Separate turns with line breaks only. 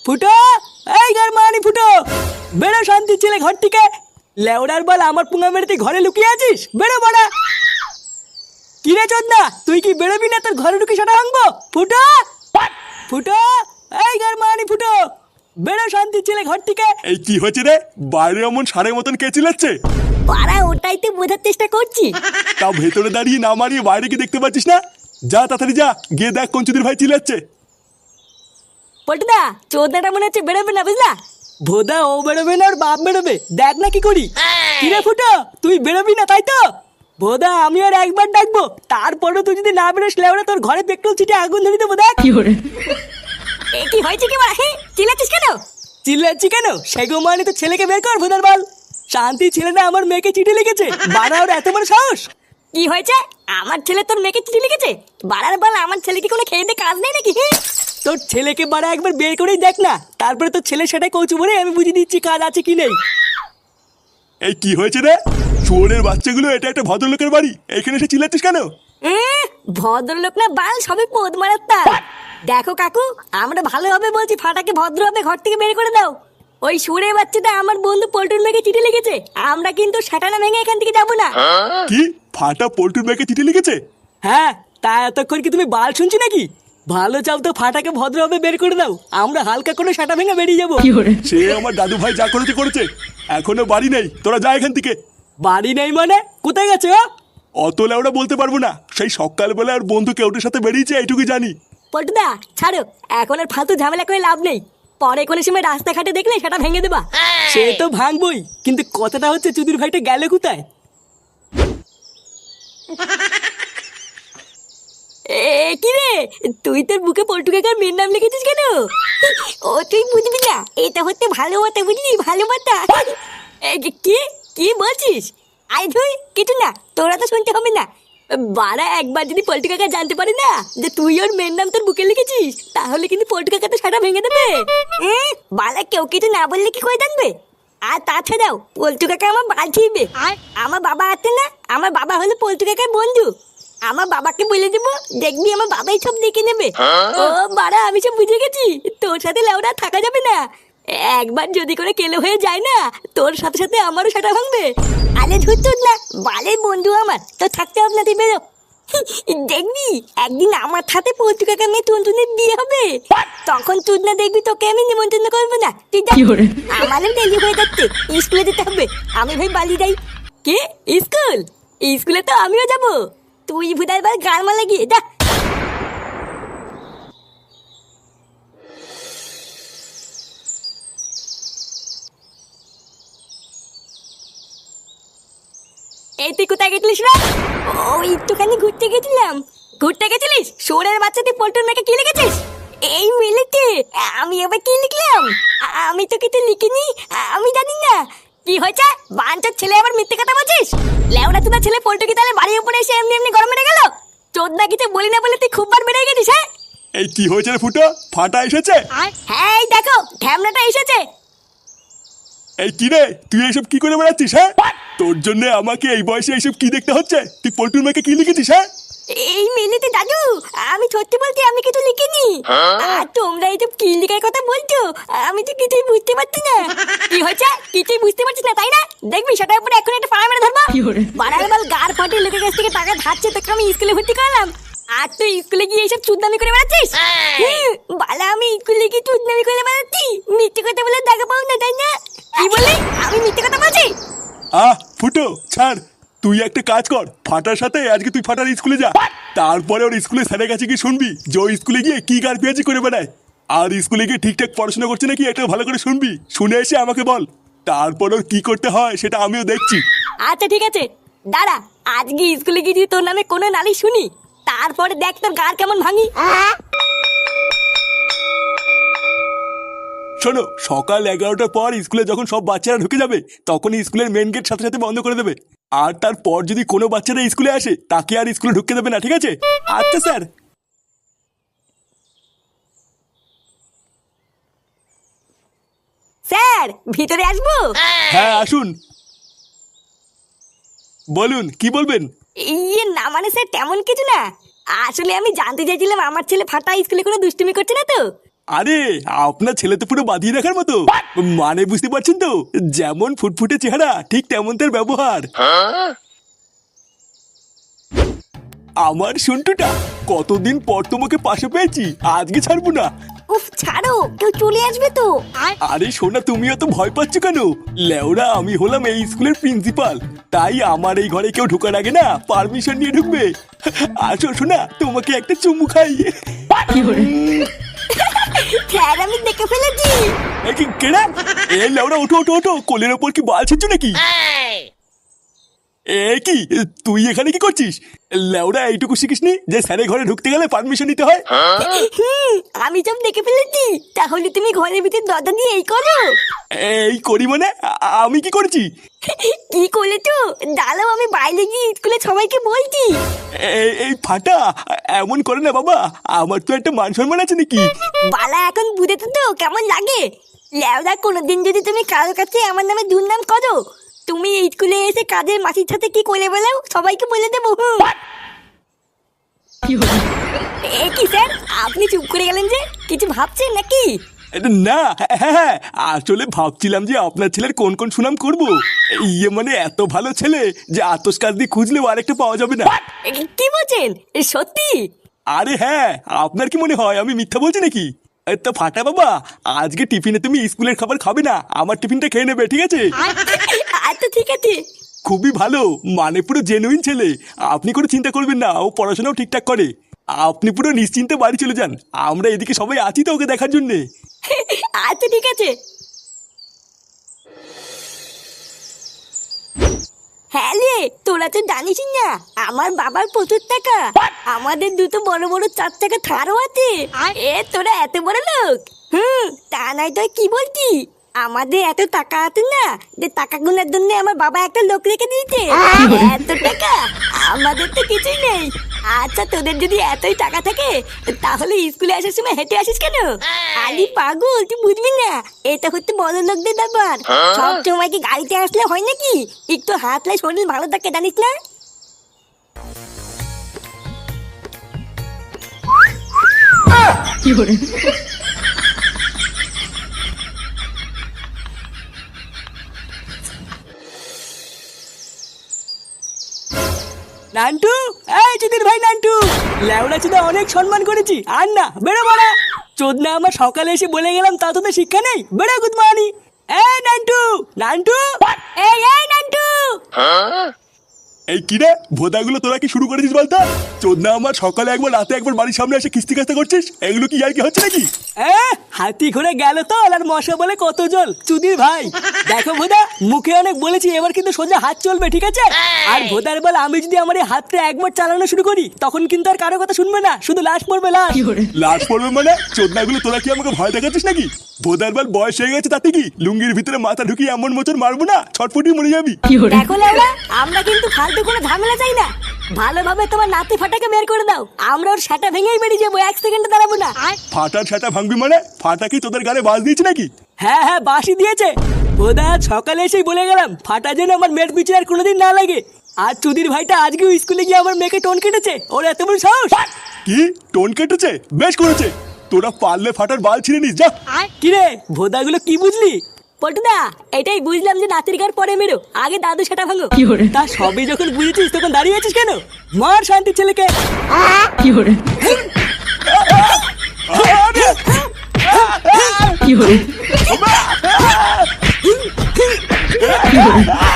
ফুটো, এই ঘর মানি ফুটো, বেরো শান্তি ছেলে ঘর থেকে। লেওড়ার বল আমার পুঙ্গা মেরে তুই ঘরে লুকিয়ে আছিস, বেরো বাড়া। কিরে চোদনা, তুই কি বেরোবি না তোর ঘরে ঢুকে সেটা ভাঙবো? ফুটো ফুটো, এই ঘর মানি ফুটো, বেরো শান্তি ছেলে ঘর থেকে।
এই কি হচ্ছে রে? বাইরে এমন সারের মতন কে চিল্লাচ্ছে?
পাড়া ওটাই তো বোঝার চেষ্টা করছি।
তাও ভেতরে দাঁড়িয়ে না মারিয়ে বাইরে কি দেখতে পাচ্ছিস না? যা তাড়াতাড়ি যা, গিয়ে দেখ কঞ্চুদের ভাই চিল্লাচ্ছে।
পটুদা, চোদনাটা মনে হচ্ছে বেরোবে না, বুঝলা?
ভোদা ও বেরোবে না, ওর বাপ বেরোবে, দেখ না কি করি। কিরে ফুটো, তুই বেরোবি না তাই তো? ভোদা আমি আর একবার ডাকবো, তারপরও তুই যদি না বেরোস লেওড়া তোর ঘরে পেট্রোল ছিটে আগুন ধরে দেবো। দেখ
এ কি হয়েছে কি বা? হ্যাঁ, চিল্লাচ্ছিস কেন?
চিল্লাচ্ছি কেন? সেগো মানে তো ছেলেকে বের কর ভোদার বল। শান্তি ছেলে না আমার মেয়েকে চিঠি লিখেছে, বাড়া ওর এত বড় সাহস।
কি হয়েছে? আমার ছেলে তোর মেয়েকে চিঠি লিখেছে? বাড়ার বল, আমার ছেলে কি কোনো খেয়ে দিয়ে কাজ নেই নাকি? হ্যাঁ,
তোর ছেলেকে বাড়া একবার বের করেই দেখ না, তারপরে তোর ছেলে সেটাই কৌচু বলে আমি বুঝিয়ে দিচ্ছি কাজ আছে কি নেই।
এই কি হয়েছে রে? চোরের বাচ্চাগুলো, এটা একটা ভদ্রলোকের বাড়ি, এখানে এসে চিল্লাচ্ছিস কেন?
ভদ্রলোক না বাল, সবে পোদ মারার তার। দেখো কাকু, আমরা ভালোভাবে বলছি ফাটাকে ভদ্রভাবে ঘর থেকে বের করে দাও। ওই সুরে বাচ্চাটা আমার বন্ধু পল্টুর মেয়েকে চিঠি লিখেছে, আমরা কিন্তু সাটানা ভেঙে এখান থেকে যাবো না।
কি ফাটা পল্টুর ব্যাগে চিঠি লিখেছে?
হ্যাঁ, তা এতক্ষণ কি তুমি বাল শুনছি নাকি? ভালো চাও তো ফাটাকে ভদ্রভাবে বের করে দাও, আমরা হালকা করে সাটা ভেঙে বেরিয়ে যাবো।
সে আমার দাদু ভাই যা করেছে করেছে, এখনো বাড়ি নেই, তোরা যা এখান থেকে।
বাড়ি নেই মানে? কোথায় গেছে ও?
অত লেওড়া বলতে পারবো না, সেই সকালবেলা আর বন্ধু কেউটের সাথে বেরিয়েছে, এইটুকুই জানি।
পল্টুদা ছাড়ো, এখন আর ফালতু ঝামেলা করে লাভ নেই। পরে কোনো সময় রাস্তাঘাটে দেখলে সেটা ভেঙে দেবা।
সে তো ভাঙবই, কিন্তু কথাটা হচ্ছে চুদির ভাইটা গেলে কোথায়?
কি রে, তুই তোর বুকে পল্টু কাকার মেয়ের নাম লিখেছিস কেন? ও তুই বুঝবি না, এটা হচ্ছে ভালো কথা, বুঝলি? ভালো কথা। কি কি বলছিস? আই ধুই কিছু না, তোরা তো শুনতে হবে না। বাড়া, একবার যদি পল্টু কাকা জানতে পারে না যে তুই ওর মেয়ের নাম তোর বুকে লিখেছিস, তাহলে কিন্তু পল্টু কাকা তো সারা ভেঙে দেবে। বাড়া, কেউ কিছু না বললে কি করে জানবে? আর তাছাড়াও পল্টু কাকা আমার বাল ছিড়বে। আমার বাবা আছে না, আমার বাবা হলো পল্টু কাকার বন্ধু। আমার বাবাকে বলে দেবো, দেখবি আমার বাবাই সব দেখে নেবে। ও বাড়া, আমি সব বুঝে গেছি, তোর সাথে লেওড়া থাকা যাবে না। একবার যদি করে কেলো হয়ে যায় না, তোর সাথে সাথে আমারও সেটা ভাঙবে। আরে ধুর না, বালের বন্ধু আমার, তোর থাকতে হবে না, তুই বেরো। দেখবি একদিন আমার সাথে পল্টু কাকা মেয়ে টুনটুনের বিয়ে হবে, তখন তুই না দেখবি তোকে আমি নিমন্ত্রণ করবো না। তুই যা, আমারও দেরি হয়ে যাচ্ছে, স্কুলে যেতে হবে। আমি ভাই বালি যাই। কে? স্কুল? স্কুলে তো আমিও যাবো। তুই ভুদার বার গান মালা গিয়ে যা। এই তুই কোথায় গেছিলিস রে? ও একটুখানি ঘুরতে গেছিলাম। ঘুরতে গেছিলিস? সোরের বাচ্চা, তুই পল্টুর মেয়েকে কি লিখেছিস? এই মিলিতে আমি আবার কি লিখলাম? আমি তো কিছু লিখিনি, আমি জানি না। কি হয়েছে? বাঞ্চার ছেলে আবার মিথ্যে কথা বলছিস? লেওড়া চোদা ছেলে পল্টু কি তাহলে বাড়ির উপরে এসে এমনি এমনি গরম মেরে গেল? চোদনা কিছু বলি না বলে তুই খুব বার বেড়ে গেছিস। হ্যাঁ,
এই কি হয়েছে রে ফুটো? ফাটা এসেছে?
হ্যাঁ এই দেখো ঢ্যামনাটা এসেছে।
এই কি রে, তুই এইসব কি করে বেড়াচ্ছিস? হ্যাঁ, তোর জন্য আমাকে এই বয়সে এইসব কি দেখতে হচ্ছে? তুই পল্টুর মেয়েকে কি লিখেছিস? হ্যাঁ,
এই মিলিতে দাদু, আমি সত্যি বলছি, আমি কিছু লিখিনি। আর তোমরা এইসব কি লিখার কথা বলছো, আমি তো কিছুই বুঝতে পারছি না। কি হয়েছে? কিছুই বুঝতে পারছিস না তাই না? দেখবি সেটার উপরে এখন একটা ফাড়া মেরে ধরবো। বাড়ার বল গার ফাটে লোকের কাছ থেকে টাকা ধাচ্ছে, তোকে আমি স্কুলে ভর্তি করালাম, আর তুই স্কুলে গিয়ে এইসব চুদনামি করে বেড়াচ্ছিস। বালা, আমি স্কুলে গিয়ে চুদনামি করে বেড়াচ্ছি? মিথ্যে কথা বলে দেখা পাও না তাই না? কি বলি? আমি মিথ্যে কথা বলছি?
ফুটো ছাড়, তুই একটা কাজ কর, ফাটার সাথে আজকে তুই ফাটার স্কুলে যা, তারপরে ওর স্কুলে স্যারের কাছে গিয়ে শুনবি যে ওই স্কুলে গিয়ে কি গার পেঁয়াজি করে বেড়ায়, আর স্কুলে গিয়ে ঠিকঠাক পড়াশোনা করছে নাকি এটা ভালো করে শুনবি, শুনে এসে আমাকে বল, তারপর ওর কি করতে হয় সেটা আমিও দেখছি।
আচ্ছা ঠিক আছে, দাঁড়া, আজকে স্কুলে গিয়ে যদি তোর নামে কোনো নালিশ শুনি, তারপরে দেখ তোর গার কেমন ভাঙি।
শোনো, সকাল 11টার পর স্কুলে যখন সব বাচ্চারা ঢুকে যাবে, তখন স্কুলের মেন গেট সাথে সাথে বন্ধ করে দেবে, আর তারপর যদি কোনো বাচ্চারা স্কুলে আসে তাকে আর স্কুলে ঢুকতে দেবে না, ঠিক আছে? আচ্ছা স্যার।
স্যার, ভিতরে আসবো?
হ্যাঁ আসুন, বলুন কি বলবেন?
ইয়ে না মানে স্যার তেমন কিছু না, আসলে আমি জানতে চাইছিলাম আমার ছেলে ফাটা স্কুলে কোনো দুষ্টুমি করছে না তো,
আরে আপনার ছেলে তো পুরো বাঁধিয়ে রাখার মতো। মানে বুঝতে পারছেন তো, যেমন ফুটফুটে চেহারা ঠিক তেমন তার ব্যবহার। আমার সন্টুটা, কতদিন পর তোমাকে পাশে পেয়েছি, আজকে ছাড়বো না।
উফ ছাড়ো, কেউ চলে আসবে তো।
আরে সোনা, তুমিও তো ভয় পাচ্ছ কেন? লেওরা, আমি হলাম এই স্কুলের প্রিন্সিপাল, তাই আমার এই ঘরে কেউ ঢোকার আগে না পারমিশন নিয়ে ঢুকবে। আসো সোনা, তোমাকে একটা চুমু খাই।
স্যার আমি দেখে ফেলেছি।
কেনা এ লেওরা, ওঠো ওঠো ওঠো, কোলের ওপর কি বাল ছিচ্ছ নাকি? এ কি, তুই এখানে কি করছিস? লেওরা, এইটুকু শিখিসনি যে স্যারের ঘরে ঢুকতে গেলে পারমিশন নিতে হয়?
আমি সব দেখে ফেলেছি। তাহলে তুমি ঘরের ভিতর দরজা দিয়ে এই করো।
এই করি মানে? আমি কি করেছি?
কি করেছো? দাঁড়াও, আমি বাইরে গিয়ে স্কুলে সবাইকে বলছি।
এই ফাটা, এমন করে না বাবা, আমার তো একটা মান সম্মান আছে নাকি?
বালা এখন বুঝেছো তো কেমন লাগে? লেওদা, কোনোদিন যদি তুমি কারোর কাছে আমার নামে দুর্নাম করো, তুমি এই স্কুলে এসে কাজের মাসির সাথে কি করে বলো সবাইকে বলে দেবো। এ কি স্যার, আপনি চুপ করে গেলেন যে? কিছু ভাবছেন নাকি?
না, হ্যাঁ হ্যাঁ, আসলে ভাবছিলাম যে আপনার ছেলের কোন কোন সুনাম করব। ইয়ে মানে এত ভালো ছেলে যে আতস কাজ দিয়ে খুঁজলেও আরেকটা পাওয়া যাবে না।
কি বলছেন, সত্যি?
আরে হ্যাঁ, আপনার কি মনে হয় আমি মিথ্যা বলছি নাকি? তো ফাটা বাবা, আজকে টিফিনে তুমি স্কুলের খাবার খাবে না, আমার টিফিনটা খেয়ে নেবে, ঠিক আছে?
আচ্ছা ঠিক আছে।
খুবই ভালো, মানে পুরো জেনুইন ছেলে। আপনি কোনো চিন্তা করবেন না, ও পড়াশোনাও ঠিকঠাক করে। আপনি পুরো নিশ্চিন্তে বাড়ি চলে যান, আমরা এদিকে সবাই আছি তো ওকে দেখার জন্যে।
আচ্ছা ঠিক আছে। হ্যাঁ রে, তোরা তো জানিস না আমার বাবার প্রচুর টাকা। আমাদের দুটো বড় বড় 4 চাকা থারও আছে। এ তোরা এত বড় লোক? তা নাই তো কি বলছি, আমাদের এত টাকা আছে না যে টাকা গুনার জন্য আমার বাবা একটা লোক রেখে দিয়েছে। এত টাকা আমাদের তো কিছুই নেই। আচ্ছা, তোদের যদি এতই টাকা থাকে তাহলে স্কুলে আসার সময় হেঁটে আসিস কেন? আলি পাগল, তুই বুঝবি না, এটা হচ্ছে বড় লোকদের ব্যাপার। সব সময় কি গাড়িতে আসলে হয় নাকি? একটু হাঁটলে শরীর ভালো থাকে, জানিস না?
নান্টু, এই চুদির ভাই নান্টু, লেওড়া চুদা অনেক সম্মান করেছি, আর না, বেরো বড়া। চোদনা আমার সকালে এসে বলে গেলাম, তা তোদের শিক্ষা নেই? বেরো গুড মর্নিং। এই নান্টু, নান্টু,
এই এই নান্টু।
এই কিরে ভোদাগুলো, তোরা কি শুরু করেছিস বলতো? চোদনা আমার সকালে একবার রাতে একবার বাড়ির সামনে এসে কিস্তি কাস্তা করছিস, এগুলো কি আর কি হচ্ছে নাকি?
হাতি ঘুরে গেল তো, আর মশা বলে কত জল। চুদির ভাই দেখো ভোদা, মুখে অনেক বলেছি, এবার কিন্তু সোজা হাত চলবে, ঠিক আছে? আর ভোদার বল, আমি যদি আমার এই হাতটা একবার চালানো শুরু করি তখন কিন্তু আর কারো কথা শুনবে না, শুধু লাশ পড়বে, লাশ।
লাশ পড়বে মানে? চোদনাগুলো তোরা কি আমাকে ভয় দেখাচ্ছিস নাকি? ভোদার বল বয়স হয়ে গেছে, তাতে কি লুঙ্গির ভিতরে মাথা ঢুকিয়ে এমন মোচর মারবো না, ছটফটি মরে যাবি।
দেখো লেওড়া, আমরা কিন্তু ফালতু কোনো ঝামেলা চাই না। ভালোভাবে তোমার নাতি ফাটাকে বের করে দাও, আমরা ওর সেটা ভেঙেই বেরিয়ে যাবো, 1 সেকেন্ডে দাঁড়াবো না।
ফাটার সেটা ভাঙবি মানে? ফাটা কি তোদের গালে বাজ দিয়েছে নাকি?
হ্যাঁ হ্যাঁ, বাসি দিয়েছে। ভোদা সকালে এসেই বলে গেলাম, ফাটা যেন আমার মেয়ের পিছনে আর কোনোদিন না লাগে। আর চুদির ভাইটা আজকেও স্কুলে গিয়ে আমার মেয়েকে টোন কেটেছে, ওর এত বড় সাহস।
কি টোন কেটেছে? বেশ করেছে, তোরা পারলে ফাটার বাল ছিঁড়ে নিস, যা।
কিরে ভোদাগুলো কি বুঝলি?
পটুদা, এটাই বুঝলাম যে নাতির গার পরে মেরো, আগে দাদু সেটা ভাঙো।
তা সবই যখন বুঝেছিস তখন দাঁড়িয়ে আছিস কেন? মার শান্তির ছেলেকে।
কি